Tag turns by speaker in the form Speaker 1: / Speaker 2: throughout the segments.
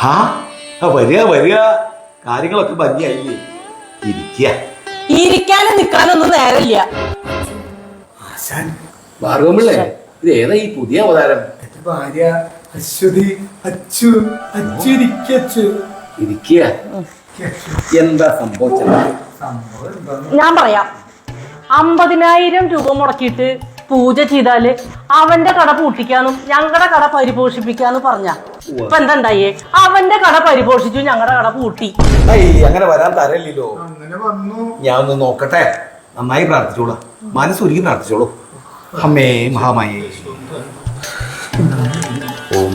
Speaker 1: വരിക വരിക, കാര്യങ്ങളൊക്കെ ഭംഗിയായില്ലേ?
Speaker 2: ഇരിക്കാനും നിൽക്കാനൊന്നും നേരമില്ല.
Speaker 1: ഭാർഗവമില്ലേ, ഇത് ഏതാ ഈ പുതിയ അവതാരം?
Speaker 3: ഭാര്യ അശ്വതി. അച്ചു അച്ചു
Speaker 1: ഇരിക്കുക. എന്താ സംഭവിച്ചത്?
Speaker 2: ഞാൻ പറയാം. 50,000 രൂപ മുടക്കിയിട്ട് പൂജ ചെയ്താല് അവന്റെ കട പൂട്ടിക്കാന്നും ഞങ്ങളുടെ കട പരിപോഷിപ്പിക്കാന്ന് പറഞ്ഞ ഇപ്പൊ എന്താ ഉണ്ടായേ? അവന്റെ കട പരിപോഷിച്ചു, ഞങ്ങളുടെ കട പൂട്ടി.
Speaker 1: അങ്ങനെ വരാൻ തരല്ലോ.
Speaker 3: അങ്ങനെ വന്നു.
Speaker 1: ഞാൻ ഒന്ന് നോക്കട്ടെ. നന്നായി പ്രാർത്ഥിച്ചോളൂ, മനസ്സൊരുക്കി പ്രാർത്ഥിച്ചോളൂ. അമ്മേ മഹാമായേ. ഓം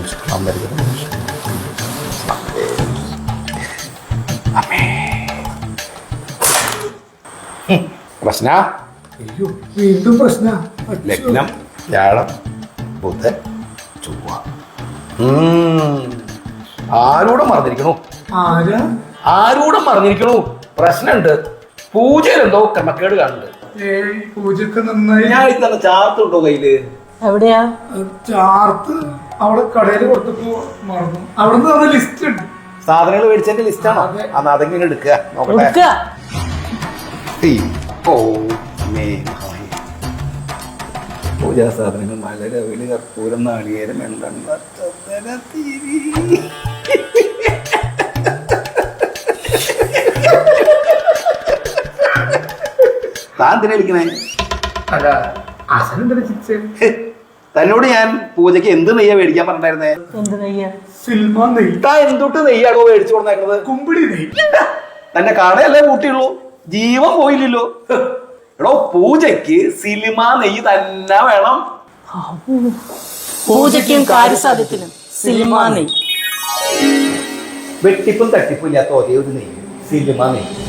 Speaker 1: പ്രശ്ന
Speaker 3: വീണ്ടും പ്രശ്ന.
Speaker 1: ലഗ്നം വ്യാഴം ബുധൻ ചൊവ്വ. ആരൂടെ മറന്നിരിക്കണു? ആരൂടെ മറന്നിരിക്കണു? പ്രശ്നമുണ്ട്. പൂജയിലെന്തോ ക്രമക്കേട് കാണുന്നുണ്ട്.
Speaker 3: പൂജക്ക് നന്നായി.
Speaker 1: ഞാൻ ഇത്തന്നെ ചാർത്തുണ്ടോ കയ്യില്?
Speaker 2: എവിടെയാ
Speaker 3: ചാർത്ത്? അവിടെ കടയിൽ കൊടുത്തപ്പോ മറന്നു. അവിടെ നിന്ന് ലിസ്റ്റ് ഉണ്ട്,
Speaker 1: സാധനങ്ങൾ മേടിച്ചതിന്റെ ലിസ്റ്റാണോ? അന്ന് അതെങ്ങനെ എടുക്കുക നോക്കട്ടെ. പൂജാ സാധനങ്ങൾ മലര വെളി കർപ്പൂരം നാളികേരം എണ്ടെണ്ണ തിരി. താൻ എന്തിനാ വിളിക്കണേ?
Speaker 3: അല്ല അസനെന്തിനാ ചിരിച്ചേ?
Speaker 1: തന്നോട് ഞാൻ പൂജക്ക് എന്ത് നെയ്യാ മേടിക്കാൻ പറഞ്ഞിട്ടായിരുന്നേ?
Speaker 2: എന്ത് നെയ്യാ?
Speaker 3: സിൽമ നെയ്യ്.
Speaker 1: താൻ എന്തൊട്ട് നെയ്യാണോ മേടിച്ചു കൊടുത്തേക്കുന്നത്?
Speaker 3: കുമ്പിടി നെയ്യ്.
Speaker 1: തന്നെ കടയല്ലേ കൂട്ടിയുള്ളൂ, ജീവൻ പോയില്ലല്ലോ. എടോ, പൂജയ്ക്ക് സിനിമ നെയ്യ് തന്നെ വേണം.
Speaker 2: പൂജയ്ക്കും കാര്യസാധ്യത്തിനും സിനിമ നെയ്യ്.
Speaker 1: വെട്ടിപ്പും തട്ടിപ്പും ഇല്ലാത്ത ഒരേ ഒരു നെയ്യ് സിനിമ നെയ്യ്.